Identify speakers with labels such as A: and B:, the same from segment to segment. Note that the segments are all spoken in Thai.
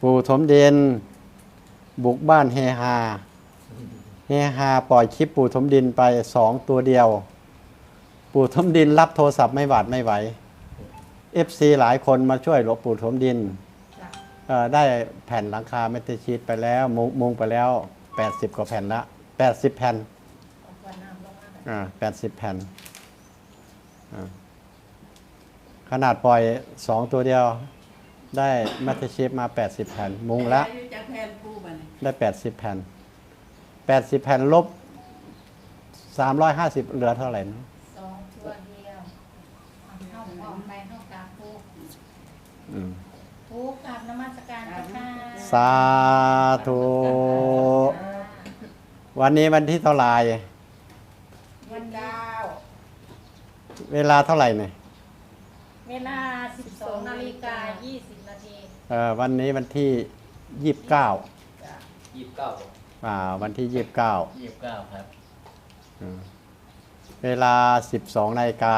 A: ปู่ถมดินบุกบ้านเฮฮาปล่อยคลิปปู่ถมดินไป2 ตัวเดียวปู่ถมดินรับโทรศัพท์ไม่หวาดไม่ไหว FC หลายคนมาช่วยหลวงปู่ถมดินได้แผ่นหลังคาเมทัลชีทไปแล้วมุงไปแล้ว80 กว่าแผ่นละ80 แผ่น80 แผ่นขนาดปล่อย2 ตัวเดียวได้เมทัลชีทมา80 แผ่นมุงละได้80 แผ่น80 แผ่นลบ350เหลือเท่าไหร่นะ
B: 2 ตัวเดียวเข้าออกไปเข้ากราบผู้กราบนมัสการค่ะ
A: สาธุวันนี้วันที่เท่าไหร่
B: วัน9
A: เวลาเท่าไหร่เนี่ย
B: เวลา 12:20 นาที
A: วันนี้วันที่29วันที่29
C: ครับ
A: เวลา 12 นาฬิกา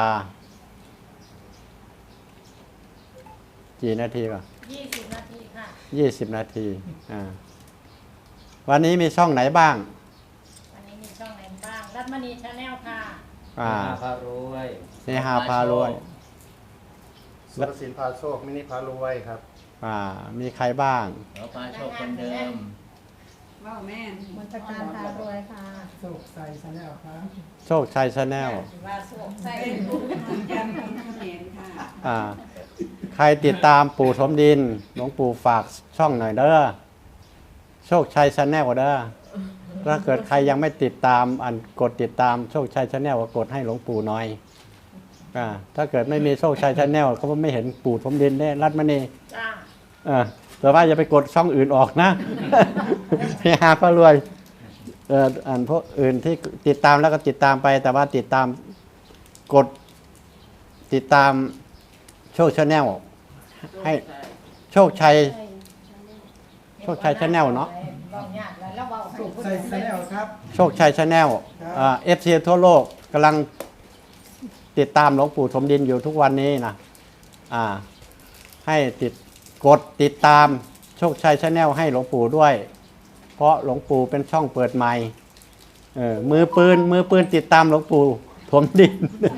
A: กี่นาทีก่อน
B: 20 นาทีค่ะ
A: 20 นาทีวันนี้มีช่องไหนบ้าง
B: วันนี้มีช่องไหนบ้างรัตมณีชาแนลค่ะ
C: พารวย
A: เฮฮาพารวย
D: สุรศิลป์พาโชคมินิพารวยครับ
A: มีใครบ้าง
C: พาโชคคนเดิม
B: ว้าวแม่มนตการพารวยค่ะ
D: โชคชัยชาแนลครับ
A: โชคชัยชาแนล
B: ว่าโชคชัยยังเห็นค่ะ
A: ใครติดตามปู่ถมดินหลวงปู่ฝากช่องหน่อยเด้อโชคชัยชาแนลเด้อถ้าเกิดใครยังไม่ติดตามกดติดตามโชคชัยชาแนลก็กดให้หลวงปู่หน่อยถ้าเกิดไม่มีโชคชัยชาแนลเขาไม่เห็นปู่ถมดินได้รัตมณีแต่ว่าอย่าไปกดช่องอื่นออกนะเฮฮาพารวยพวกอื่นที่ติดตามแล้วก็ติดตามไปแต่ว่าติดตามกดติดตามโชคชาแนลให้โชคชัยชาแนลเนาะ
D: โชคชัยชาแนลครับ
A: โชคชัยชาแนลFC ทั่วโลกกำลังติดตามหลวงปู่ถมดินอยู่ทุกวันนี้นะให้กดติดตามโชคชัยชาแนลให้หลวงปู่ด้วยเพราะหลวงปู่เป็นช่องเปิดใหม่มือปืนติดตามหลวงปู่ถมดิน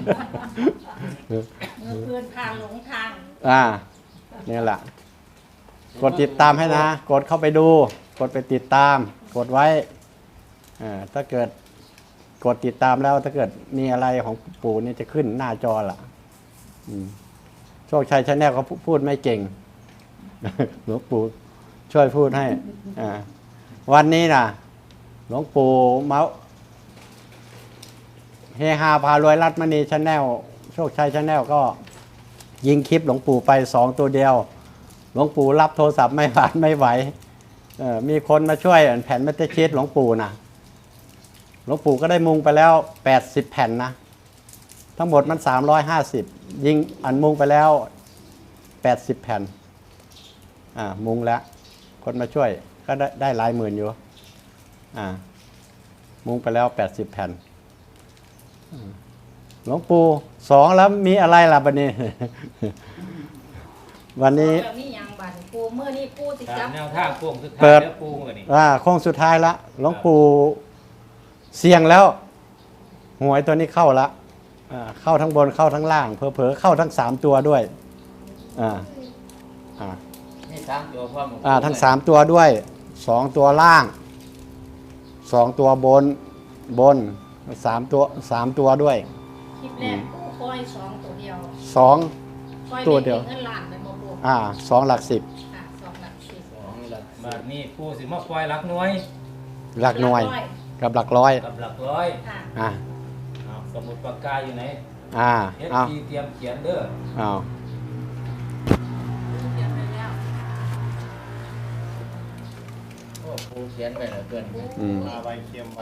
B: มือปืนพาหลงทาง
A: นี่แหละกดติดตามให้นะกดเข้าไปดูกดไปติดตามกดไว้ถ้าเกิดกดติดตามแล้วถ้าเกิดมีอะไรของปู่นี่จะขึ้นหน้าจอล่ะโชคชัยชาแนลเขาพูดไม่เก่งหลวงปู่ช่วยพูดให้วันนี้นะหลวงปู่เฮฮาพารวยรัตมณีชาแนลโชคชัยชาแนลก็ยิงคลิปหลวงปู่ไป2 ตัวเดียวหลวงปู่รับโทรศัพท์ไม่หวาดไม่ไหวมีคนมาช่วยแผ่นเมทัลชีทหลวงปู่นะหลวงปู่ก็ได้มุงไปแล้ว80 แผ่นนะทั้งหมดมัน350ยิงมุงไปแล้ว80 แผ่นมุงแล้วคนมาช่วยก็ได้หลายหมื่นอยู่มุงไปแล้ว80 แผ่นหลวงปู่2แล้วมีอะไรล่ะบัดนี้ วันนี้
B: นี่ยังบัดปูเมื่อนี้ปูสิจับ
C: แนวทางโค้งสุดท้าย
A: เปิด
C: ปูเมื่อนี้
A: โค้งสุดท้ายละหลวงปู่เสี่ยงแล้วหวยตัวนี้เข้าละเข้าทั้งบนเข้าทั้งล่างเผลอๆเข้าทั้ง3 ตัวด้วย
C: นี่3 ตัวพร้อม
A: ทั้ง3 ตัวด้วย2 ตัวล่าง2 ตัวบน3 ตัวด้วย
B: คลิปแรกปูปล่อย2 ตัวเดียว
A: 2 ตัวเดียว
B: เงินล้านไปบ่ปู
A: 2 หลัก 10
B: 2 หลัก 10
C: บาทนี้ปูสิมาปล่อยหลักหน่วย
A: หลักหน่วยกับหลักร้อย
C: สมุดปากกาอยู่ไหนเตรียมเขียนเด้อปูเขียนไปเหลือเกิน
D: มาไวเคียมไว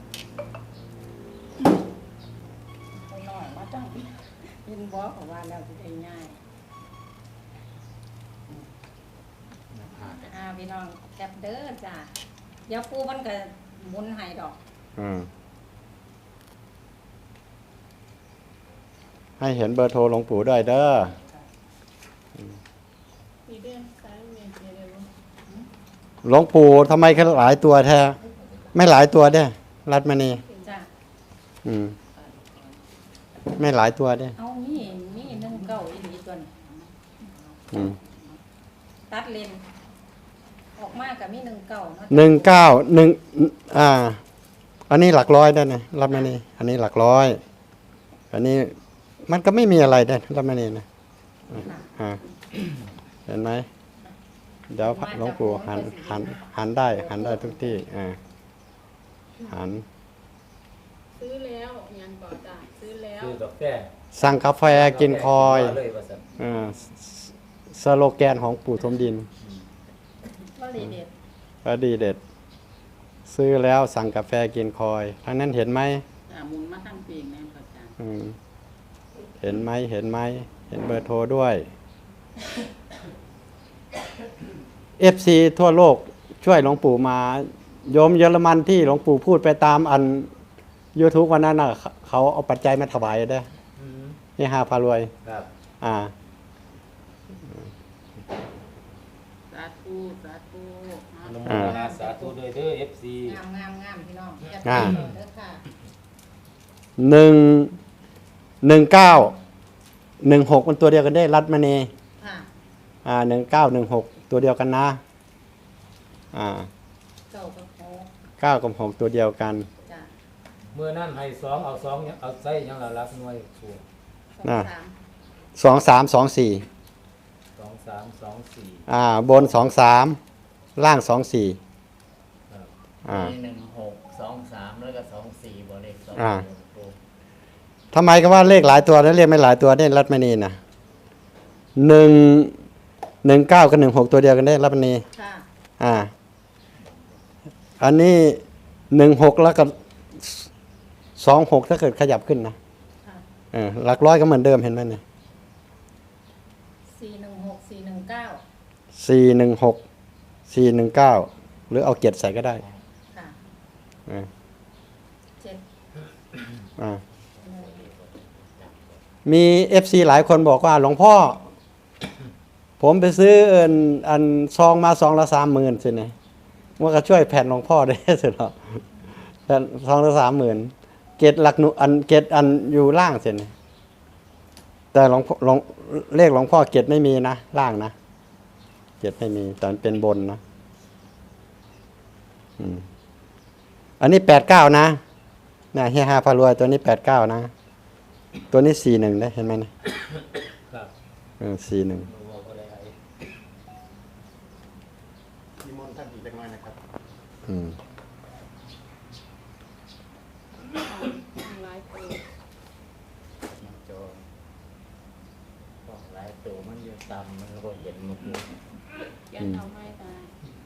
B: น้อยมาจังยินบอกว่าแล้วสิได้ง่ายพี่น้องแคปเด้อจ้ะเดี๋ยวปูมันก็หมุนให้ดอก
A: ให้เห็นเบอร์โทรหลวงปู่ด้วยเด้อ
B: มีเดือนซ้ายเมียเดี๋ยว
A: หลวงปู่ทำไมเขาหลายตัวแท้ไม่หลายตัวเด้รัตมณี
B: จ้ะ
A: อืมไม่หลายตัวเด้
B: เอามีหนึ่งเก้าอีหลีตัวนี้
A: อืม
B: ตัดเลนออกมากับมีหนึ่งเก้าเนาะ
A: 191อันนี้หลักร้อยได้นะรัตมณีอันนี้หลักร้อย อันนี้มันก็ไม่มีอะไรได้รัตมณีนะอ่าเห็นไหมเดี๋ยวหลวงปู่หันได้ทุกที่หัน
E: ซื้อแล้วยังก่อจ้ะซื้อแล้ว
C: คือกาแฟ
A: สั่งกาแฟกินคอย
C: เลยว่าซั่น
A: สโลแกนของปู่ทมดิน
B: ว่าลีเด็ด
A: ก็ดีเด็ด ซื้อแล้วสั่งกาแฟกินคอยทั้งนั้นเห็นไหม
E: หมุนมาทั้งปีกแม่ก่อจ้ะ
A: เห็นไหมเห็นเบอร์โทรด้วย FC ทั่วโลกช่วยหลวงปู่มาโยมเยอรมันที่หลวงปู่พูดไปตามอัน YouTube วันนั้นน่ะเขาเอาปัจจัยมาถวายได้
C: อืม
A: นี่5พารวย
C: ครับ
E: สาธุสาธุ
C: อนุโมทนาสาธุด้วยเด้อ FC
B: งามพี่น้องอย่า
A: อ่า
B: ตีเด้อค่ะ
A: 1916มันตัวเดียวกันได้รัตมณี
B: ค่ะ
A: 1916ตัวเดียวกันนะ
B: เก้ากับหก
A: 9กับ6ตัวเดียวกัน
B: จ้ะ
C: เมื่อนั้นให้2เอา2เอาใส่หยังละรักหน่วยสูง
B: สองสาม
A: 2324
C: 2 3 2 4
A: บน23ล่าง24
C: ครับ
F: มี1 6 2 3แล้วก็2 4บวกเลข2
A: อ่า ทำไมก็ว่าเลขหลายตัวแล้วเรียกไม่หลายตัวได้รัตมณีนะ19กับ16ตัวเดียวกันได้รัตมณี
B: ค่ะ
A: อันนี้16แล้วก็26ถ้าเกิดขยับขึ้นนะ
B: ค่ะ
A: หลักร้อยก็เหมือนเดิมเห็นไหมเนี่ย
B: 416 419
A: 416 419 หรือเอาเกียรติใส่ก็ได้
B: ค่ะ
A: อ่า
B: เจ็ด
A: อ่ามี FC หลายคนบอกว่าหลวงพ่อ ผมไปซื้ออันซองมาซองละ30,000สิเนี่ยว่าก็ช่วยแผ่นหลวงพ่อได้สิหรอแผ่นซองละ30,000เกตหลักหนุเกตอันอยู่ล่างสิเนี่ยแต่หลวงเลขหลวงพ่อเกตไม่มีนะล่างนะเกตไม่มีแต่มันเป็นบนนะอันนี้89นะนะเฮียฮาพารวยตัวนี้89นะตัวนี้41ได้เห็นไหมนะครับ 41
C: บ่บ่ได้
D: นิมนต์ท่านอีกเล็กน้อยนะครับ
E: หลายตัว
F: โจบอกหลายตัวมันอยู่ต่ำมันก็เห็นมันอยู่
E: ยันเอาไม่ตาย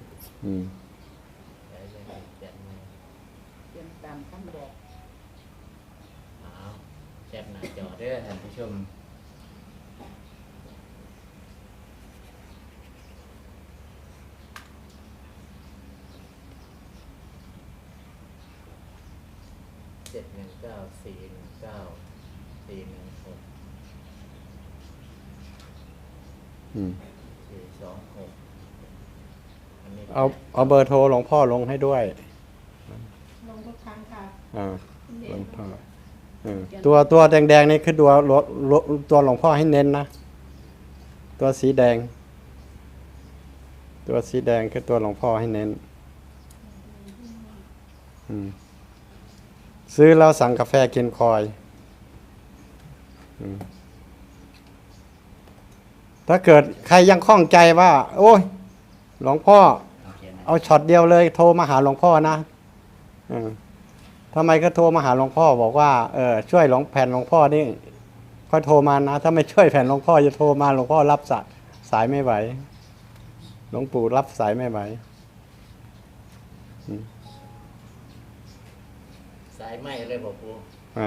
F: แต่ยังไม่เจ็บไม่
E: เตรียมตามคำบอก
F: เอาแจ็บหน้าจอเด้อท่านผู้ชม7 1 9 4 1 9 4 1 6 4 2 6อันนี้
A: เอาเบอร์โทรหลวงพ่อลงให้ด้วย
E: ลงทุกครั้งค่ะ
A: หลวงพ่อตัวแดงๆนี่คือตัวหลวงพ่อให้เน้นนะตัวสีแดง ตัวสีแดงคือตัวหลวงพ่อให้เน้นซื้อแล้วสั่งกาแฟกินคอยถ้าเกิดใครยังข้องใจว่า โอ้ยหลวงพ่อ
F: โอเคนะ
A: เอาช็อตเดียวเลยโทรมาหาหลวงพ่อนะทำไมก็โทรมาหาหลวงพ่อบอกว่าช่วยแผ่นหลวงพ่อนี่ค่อยโทรมานะถ้าไม่ช่วยแผ่นหลวงพ่อจะโทรมาหลวงพ่อรับสายไม่ไหวหลวงปู่รับสายไม่ไหว
F: สายไหมเลยบอกปู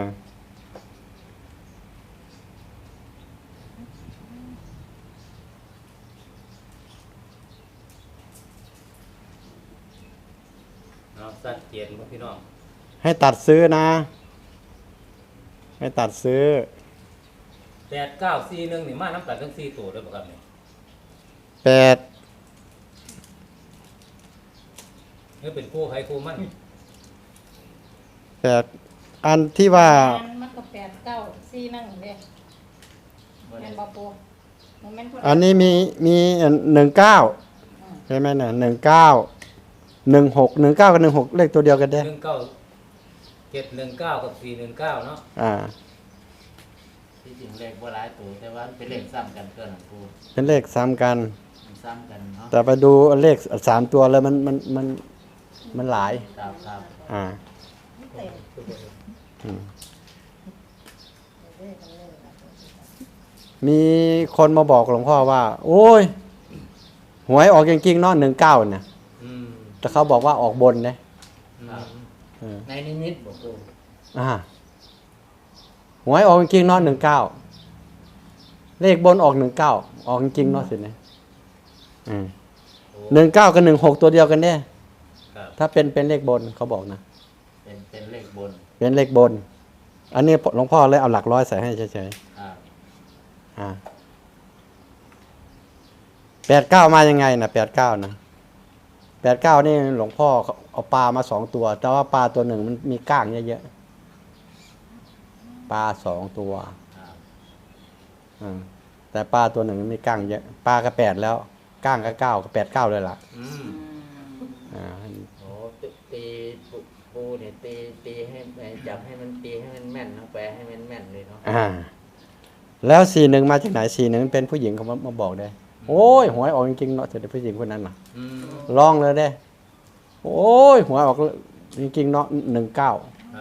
C: เอาสัดเจนบ่พี่น้อง
A: ให้ตัดซื้อนะ ให้ตัดซื้อ
C: 8941นี่มาน้ำกันทั้ง4ตัวเด้อบ่ครับนี่
A: 8
C: นี่เป็นคู่ใครคู่มัน
A: แต่อันที่ว่า
B: มันก็8 9 4นั่งเด้แม่นบ่ปูมันแม่นคน
A: อันนี้มี19ใช่ไหมเนี่ย19 16 19กับ16เลขตัวเดียวกันเด้
C: 719กับ419เนาะ
F: ที่จริงเลขบ่หลายตัวแต่ว่ามันเป็นเลขซ้ำกันเกินหลวงปู่
A: เป็นเลขซ้ำกัน
F: มันซ้ำกันเนาะ
A: แต่ไปดูเลข3ตัวแล้วมันหลาย
F: ครับครับ
A: อ่า
B: เต็ม
A: อืม
B: เด้กันเลย
A: มีคนมาบอกหลวงพ่อว่า โอ้ยหวยออกจริงๆเนาะ19เนี่ย
C: อืม
A: แต่เขาบอกว่าออกบนเนี่ย
F: ครับ
A: เออ
F: ในนิมิตบ่ปู่
A: หวยออกจริงๆเนาะ19เลขบนออก19ออกจริงๆเนาะสิเนี่ย
C: โ
A: 19
C: อ้
A: กับ16ตัวเดียวกันเนี่ย
C: ครับ
A: ถ้าเป็นเลขบนเขาบอกนะ
F: เป็นเลขบน
A: เป็นเลขบน อันนี้หลวงพ่อเลยเอาหลักร้อยใส่ให้เฉย
F: ครับ
A: ๆ89มายังไงนะ89นะ89นี่หลวงพ่อเอาปลามา2ตัว แต่ว่าปลาตัวหนึ่งมันมีก้างเยอะๆปลา2ตัว
F: ครับ
A: แต่ปลาตัวหนึ่งมันมีก้างเยอะปลาก็8แล้วก้างก็9ก็89เลยล่ะ
C: อืม
A: อ่า
F: โอ้ตีปูเนี่ยตีให้จับให้มันตีให้มันแม่นเนาะแปลให้มันแม่นเลยเนาะ
A: แล้ว41มาจากไหน41เป็นผู้หญิงเขามาบอกได้โอ้ยหวยออกจริงๆเนาะแต่ผู้หญิงคนนั้นน่ะ
C: อืม
A: ลองเลยได้โอ้ยหวยออกจริงๆเนาะ19
C: ครับ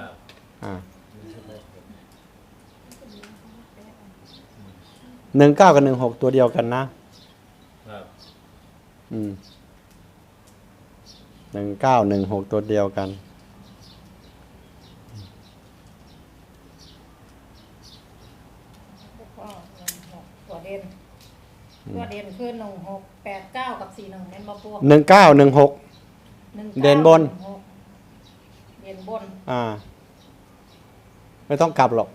A: 19กับ16ตัวเดียวกันนะครับ 19 16ตัวเดียวกัน
B: ตัวเด่นคือ16 8 9กับ41แม่นบ่ปู
A: 19 16 เด่นบน
B: เด่นบน
A: ไม่ต้องกลับหรอก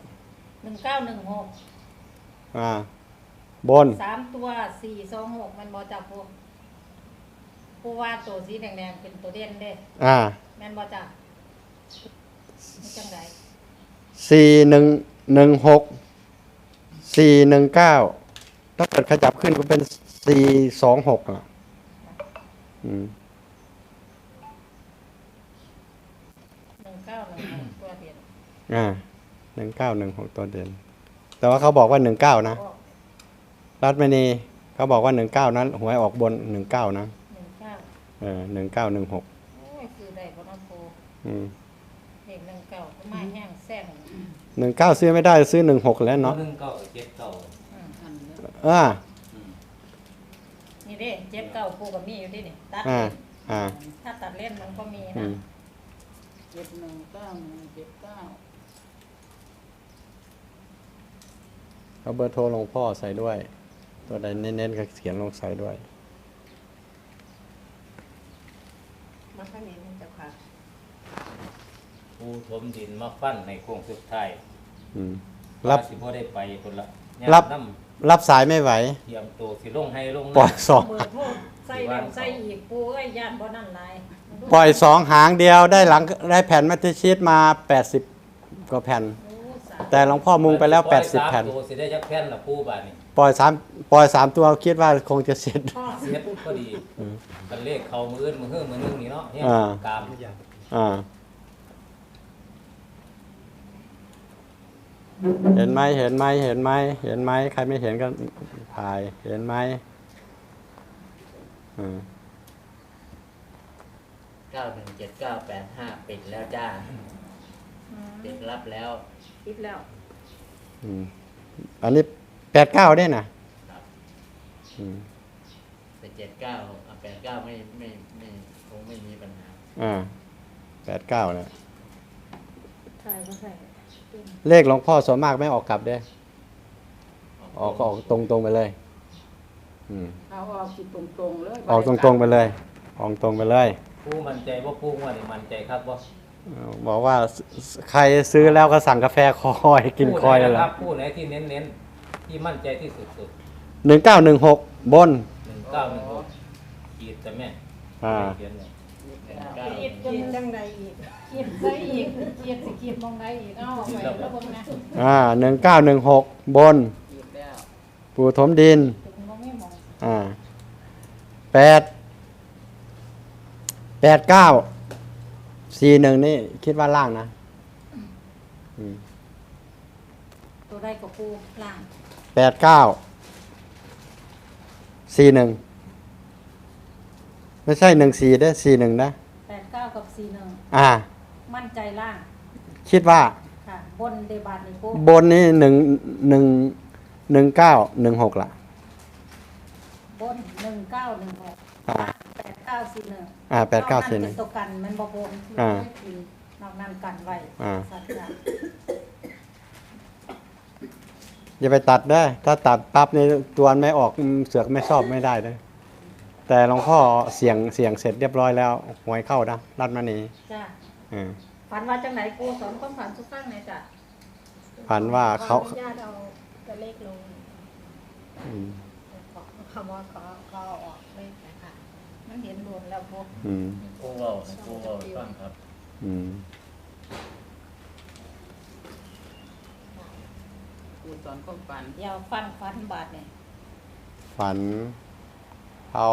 B: 19
A: บน
B: 16 3ตัว4 2 6มันบ่จับปูว่าตัวสีแดงๆเป็นตัวเด่นเด้แม่นบ่จับมันจังได๋
A: 4116 419ถ้าเกิดขยับขึ้นก็เป็น426อ่ะ
B: 1916ตัวเด่น
A: 1916ตัวเด่นแต่ว่าเขาบอกว่า19นะรัฐมณีเขาบอกว่า19นั้นหวยออกบน19นะ
B: 19
A: 1916
B: โอ้ยคือได้บ่เนาะปู เด็ก19ก็มาแห้งแซง
A: 19ซื้อไม่ได้ซื้อ16แล้วเนาะ
C: 19
B: นี่เด้79ปูก็มีอยู่ดินี่ตัด ถ้าตัดเล่นมันก็มีนะ719179
A: เอาเบอร์โทรหลวงพ่อใส่ด้วย ตัวใดเน้นๆก็เขียนลงใส่ด้วย
B: มาข้างนี้มันจะค่ะ
C: ปูถมดินมาฟันในโค้งสุดท้าย
A: รับ
C: สิบ่ได้ไปคนละ
A: รับ
C: น้
A: รับสายไม่ไหว
C: ำเตรียมตัวสิลงให้ลง
A: ปล่อยสอง
B: เบิดโทษใส่แล้วใส่อีกปูเอ้ยย่านบ่นั่นหลาย
A: ปล่อย2หางเดียวได้แผ่นมัตชีตมา80กว่าแผ่น
B: โอ้สา
A: แต่หลวงพ่อมุงไปแล้ว
C: ปล่อย
A: 80แผ่น
C: 3ตัวสิได้จักแผ่นละปูบาดนี้
A: ปล่อย3ตัวคิดว่าคงจะเสร็จ
B: พ่อ
C: เสียปุ๊บก็ดีกันเลขเข้ามืออื่นมือเฮือมือนึงนี่เนาะเฮีย
A: อ่า
C: กาม
A: เห็นไหมใครไม่เห็นก็ถ่ายเห็นไหม
F: 917985ปิดแล้วจ้าปิดรับแล้ว
B: ปิดแล้ว
A: อันนี้89ได้นะครับ
F: แต่79ไม่คงไม่มีปัญหา
A: 89เนี่ย
B: ใช่ก็ใช่
A: เลขหลวงพ่อส่วนมากไม่ออกกลับเด้ออกก็ออกตรงๆไปเลย
B: เอาออกสิตรงๆเลย
A: ออกตรงๆไปเลยออกตรงไปเลย
C: ปูมั่นใจว่าปูว่านี่มั่นใจครับว่า
A: บอกว่าใครซื้อแล้วก็สั่งกาแฟคอยกินคอย
C: เล
A: เลย ย
C: ครับปูไหนที่เน้นๆที่มั่นใจที่สุด
A: 1916 บน
C: 1916ขีดแต่แม่เขียนเลย
B: คิดจังใดอีกคิดซะอีกคิดสิคิดมองใดอีกเอาไปแล้วเบิ่งนะ
A: 1916 บน
F: อีกแล้ว
A: ปู่ถมดิน
B: ถึงบ่มีหมอง
A: 41นี่คิดว่าล่างนะอืม
B: ตัวใดก็ปูล่าง
A: 41ไม่ใช่14ได้อ41นะ
B: 89กับ41
A: อ่า
B: มั่นใจล่าง
A: คิดว่า
B: ค่ะบนเดบาทนี่ปู
A: บนนี่1916ล่ะ
B: บน1916
A: อ่า
B: 8941
A: 8941
B: เป็นตัวกันมันบ่บน
A: อ่า
B: นอกนั้นกันไว้
A: อ่า
B: สัตว์จ้ะ
A: อย่าไปตัดได้อถ้าตัดปั๊บนี่ตัวไม่ออกเสือกไม่ชอบไม่ได้เลยแต่หลวงพ่อเสียงเสร็จเรียบร้อยแล้วหวยเข้านะรัดมานี
B: จ้ะ
A: อืม
B: ฝันว่าจังไหนปูสอนความฝันทุกครั้งเลยจ้ะ
A: ฝันว่าเขา
E: ขออนุญาตเอาตัวเลขลง
A: อืม
E: คำว่าขอออกเลขนะคะ
B: มันเห็นโดนแล้วปู
A: อืม
C: ผู้เว้าผู้เว้าให้ฟังครับ
A: อืม
F: ครูสอนความฝัน
B: เดี๋ยวฟันบาทเนี่ย
A: ฝันเอา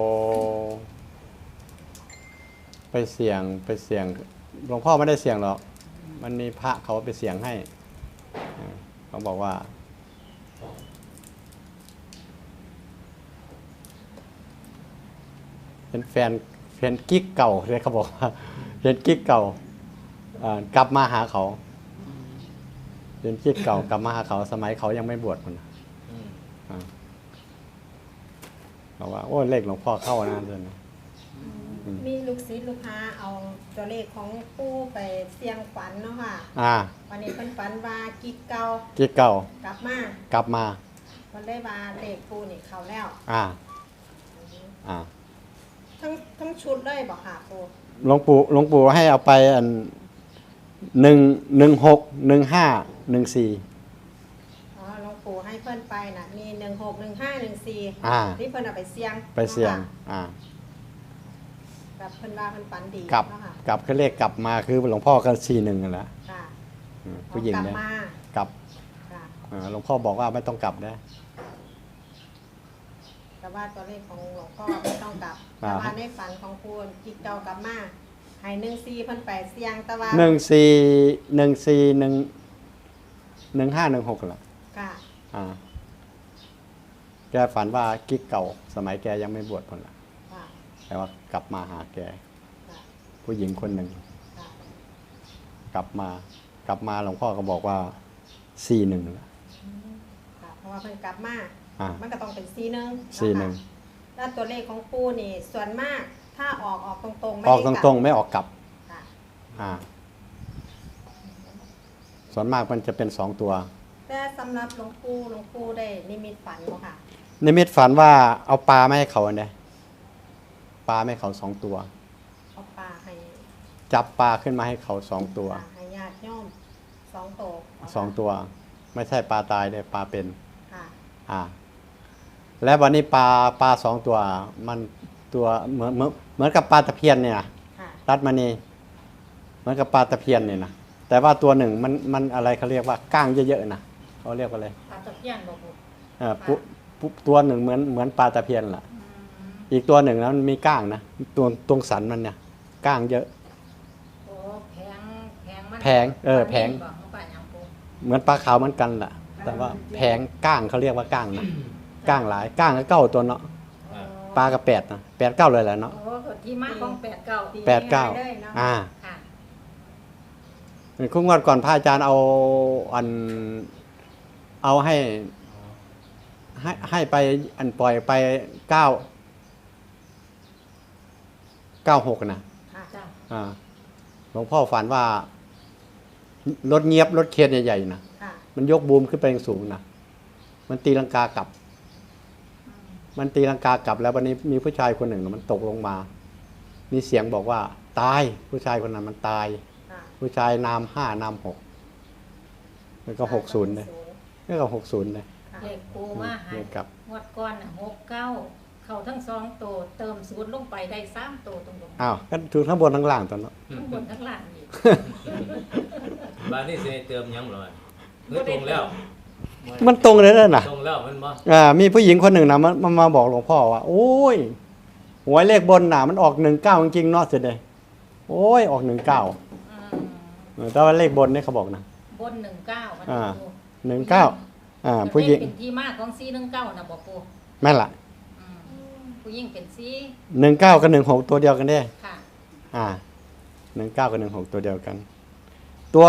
A: ไปเสี่ยงหลวงพ่อไม่ได้เสี่ยงหรอกมันมีพระเขาไปเสี่ยงให้เขาบอกว่าเป็นแฟนกิ๊กเก่าเลยเขาบอกว่าเป็นกิ๊กเก่ากลับมาหาเขาเป็นกิ๊กเก่ากลับมาหาเขาสมัยเขายังไม่บวชมันนะ
C: อืม
A: บอกว่าโอ้เลขหลวงพ่อเข้านะเดือนนี้
E: มีลูกศิษย์ลูกค้าเอาตัวเลขของปู่ไปเสี่ยงฝันเนาะค่ะ วันนี้เพิ่นฝันว่ากิ๊กเก่า
A: กิ๊กเก่าก
E: ลับมา
A: กลับมา
E: เพิ่นได้ว่าเลขปู่นี่เข้าแล้ว
A: อ่า
E: ทั้งชุดเลยบ่ค่ะปู่
A: หลวงปู่ให้เอาไปอัน16 15 14
E: อ๋อหลวงปู่ให้เพิ่นไปน่ะมี16 15 14
A: อ่า
E: ที่เพิ่นเอาไปเสี่ยง
A: ไปเสี่ยง
E: กับเพิ่นว่าเพิ่นฝันดี
A: กลับ
E: เนาะค่ะ
A: กลับคือเลขกลับมาคือหลวงพ่อก็41นั่นแหละ
E: ค่ะ
A: ผู้หญิง
E: กลับ
A: เนี่ย
E: มาก
A: ลับ
E: ค่ะ
A: หลวงพ่อบอกว่าไม่ต้องกลับนะ
E: แต่ว่าตัวเลขของหลวงพ่อไม่ต้องกลับ
A: อ่า
E: แต่ว่าในฝันของปู่กิ๊กเก่ากลับมาให้14เพิ่นไปเสี่ยงแต่ว่า
A: 15 16แหละ
E: ค่ะ
A: แกฝันว่ากิ๊กเก่า สมัยแกยังไม่บวชคนละ
E: ค่ะ
A: แต่ว่ากลับมาหาแก
E: ค่ะ
A: ผู้หญิงคนหนึ่ง
E: ค่ะ
A: กลับมาหลวงพ่อก็บอกว่า41ละ
E: ค่ะเพราะว่าเพิ่นกลับมา
A: อ่า
E: มันก็ต้องเป็น41เนาะ
A: 41
E: ค่ะแล้วตัวเลขของปู่นี่ส่วนมากถ้าออกตรงๆไม่
A: ออก
E: ได้
A: ตรงๆไม่ออกกลับ
E: ๆค่ะ
A: ส่วนมากมันจะเป็น2ตัว
E: แต่สำหรับหลวงปู่ได้นิมิตฝันบ่ค่ะ
A: นิมิตฝันว่าเอาปลาไม่ให้เขาเนี่ยปลาไม่ให้เขา2ตัว
E: เอาปลาให้
A: จับปลาขึ้นมาให้เขา2ตัว
E: ให้ญาติโยม2ตัว
A: 2ตัว ไม่ใช่ปลาตายเลยปลาเป็น
E: ค่ะ
A: และวันนี้ปลา2ตัวมันตัวเหมือนกับปลาตะเพียนเนี่ยนะ
E: ค่ะ
A: รัดมานีเหมือนกับปลาตะเพียนเนี่ยนะแต่ว่าตัวหนึ่งมันอะไรเขาเรียกว่าก้างเยอะๆนะเขาเรียกว่าอะไร
B: ปลาตะเพียนบ่ปู
A: ตัวหนึ่งเหมือนปลาตะเพียนล่ะ อีกตัวหนึ่งแล้วมันมีก้างนะตัวตรงสันมันเนี่ยก้างเยอะ
B: โอ้แพงมัน
A: แพงแพง
B: บ่เข้าไปหยังปู
A: เหมือนปลาขาวเหมือนกันล่ะ แต่ว่าแพงก้างเขาเรียกว่าก้างนะก้างหลายก้างก็เก้าตัวเนาะ
C: อ่า
A: ปลากับ8นะ8 9เลยแหละเนาะ
B: โอ้ก็ที่มาของ89
A: 8 9
E: เลยเนาะ
B: ค่ะ
A: คุ้งวันก่อนพระอาจารย์เอาให้ไปอันปล่อยไป96นะ
E: ค่ะ
B: จ้ะ
A: หลวงพ่อฝันว่ารถเงียบรถเคียนใหญ่ๆนะ
E: ค่ะ
A: มันยกบูมขึ้นไปสูงนะมันตีลังกากลับ มันตีลังกากลับแล้ววันนี้มีผู้ชายคนหนึ่งน่ะมันตกลงมา มีเสียงบอกว่าตายผู้ชายคนนั้นมันตาย
E: ค่ะ
A: ผู้ชายนาม5นาม6แล้วก็60เลยแล้วก็60เลย
E: ค่ะ
B: เลขปูมาให้
A: เลขกลับ
B: งวดก่อนน่ะ69 เข้าทั้งสองตัวเติมศูนย์ลงไปได้3ตัวตรงๆ
A: อ้าวก็ถูกทั้งบนทั้งล่างตอนนั้น
B: ทั้งบนทั้งล่างอีก
C: บ้านนี้สิให้เติมหยังบ่ล่ะเฮ้ยตรงแล้ว
A: มันตรงเลยนั่นน่ะ
C: ตรงแล้วมันบ่
A: มีผู้หญิงคนหนึ่งนะมันมาบอกหลวงพ่อว่า โอ้ยหวยเลขบนน่ะมันออก19จริงๆเนาะเสียดายโอ้ยออก19แต่ว่าเลขบนนี่เขาบอกนะ
B: บน19มัน
A: อ่า
B: ปู
A: 19ผู้หญิง
B: เป็นที่มาของ419นะบ่ปู
A: แม่นล่ะ
B: ผู้หญิงเป็น4
A: 19กับ16ตัวเดียวกันเด้
B: ค่ะ
A: 19กับ16ตัวเดียวกัน ตัว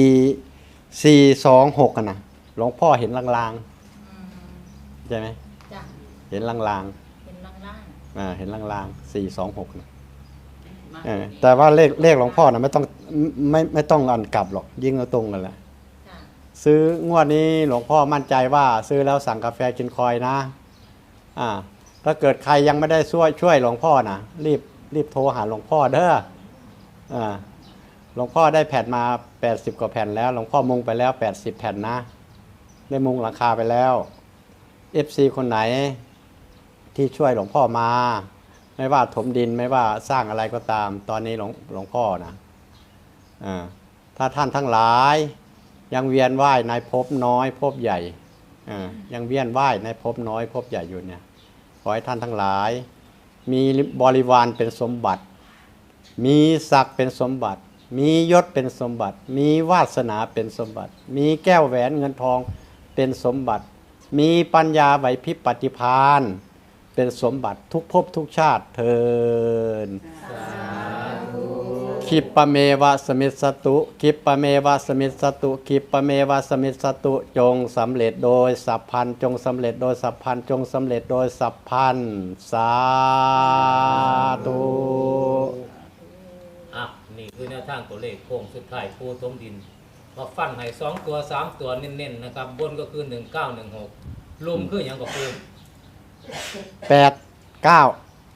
A: 426กันนะหลวงพ่อเห็นลางๆใช่ไหม
B: จ้ะ
A: เห็นลาง
B: เป็นล่าง
A: ๆเห็นลางๆ426นะแต่ว่าเลขหลวงพ่อนะไม่ต้องอันกลับหรอกยิ่งเอาตรงกันแหละ
B: ๆค่ะ
A: ซื้องวดนี้หลวงพ่อมั่นใจว่าซื้อแล้วสั่งกาแฟกินคอยนะถ้าเกิดใครยังไม่ได้ช่วยหลวงพ่อนะรีบโทรหาหลวงพ่อเด้อหลวงพ่อได้แผ่นมา80กว่าแผ่นแล้วหลวงพ่อมุงไปแล้ว80แผ่นนะได้มุงราคาไปแล้ว FC คนไหนที่ช่วยหลวงพ่อมาไม่ว่าถมดินไม่ว่าสร้างอะไรก็ตามตอนนี้หลวงพ่อนะถ้าท่านทั้งหลายยังเวียนว่ายในภพน้อยภพใหญ่ยังเวียนว่ายในภพน้อยภพใหญ่อยู่เนี่ยขอให้ท่านทั้งหลายมีบริวารเป็นสมบัติมีศักดิ์เป็นสมบัติมียศเป็นสมบัติมีวาสนาเป็นสมบัติมีแก้วแหวนเงินทองเป็นสมบัติมีปัญญาไหวพริบปฏิภาณเป็นสมบัติทุกภพทุกชาติเทินคิปปะเมวะสมิสตุคิปปะเมวะสมิสตุคิปปะเมวะสมิสตุจงสำเร็จโดยสัพพันจงสำเร็จโดยสัพพันจงสำเร็จโดยสัพพันสาธุ
C: นี่คือแนวทางตัวเลขโค้งสุดท้ายปูถมดินมาฟันให้2ตัว3ตัวเน้นๆนะครับบนก็คือ1916ลุมคือหยังก็คือ
A: 89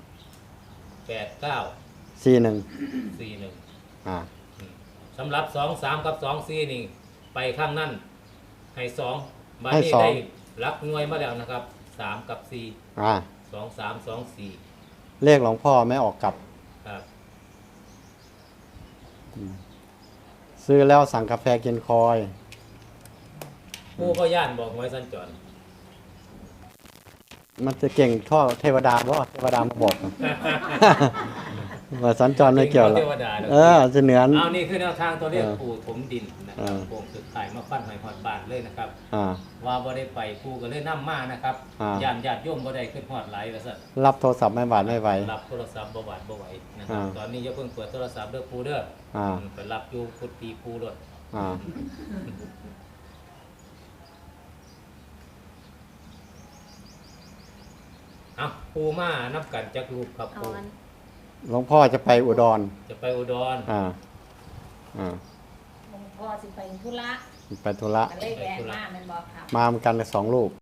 C: 89
A: 41
C: 41สำหรับ2 3กับ2 4นี่ไปข้างนั้นให้2มา
A: ให้
C: นี่
A: สอง
C: ได้หลักหน่วยมาแล้วนะครับ3กับ4 2 3 2 4
A: เลขหลวงพ่อไม่ออกกลับ
C: ครับ
A: ซื้อแล้วสั่งกาแฟกินคอย
C: ผู้ก็ย่านบอกไว้สัญจร
A: มันจะเก่งท่อเทวดาเพราะเทวดามาบอก ว่าสัญจรไม่เกี่ยวหรอก
C: เทวดาเด้อ
A: จะเหนือน
C: เอานี่คือแนวทางตัวเลข
A: เออ
C: ปูถมดินนะครับ
A: เออ
C: โค้งสุดท้ายมาฟันให้ฮอดบานเลยนะครับ
A: อ่า
C: ว่าบ่ได้ไปปูก็เลยนำมานะครับ
A: อ่า
C: ญาติโยมบ่ได้ขึ้นฮอดหลายว่าซั่น
A: รับโทรศัพท์ไม่หวานไม่ไหว
C: รับโทรศัพท์บ่หวาดบ่ไหวนะครับ
A: อ่า
C: ตอนนี้อย่าเพิ่งเปิดโทรศัพท์เด้อปูเด้อ
A: อ่า
C: ไปรับอยู่กุฏิปูรถ
A: อ่า
C: เอาปูมานับกันจักรูปครับ
B: เอา
C: ปู
B: อัน
A: หลวงพ่อจะไปอุดร
C: จะไปอุดร
A: อ่า
B: หลวงพ่อสิไปธุระ
A: ไปธุระ
B: ก็เลยแวะมาแม่นบ่ครับ
A: มาเหมือนกันเลย2 รูป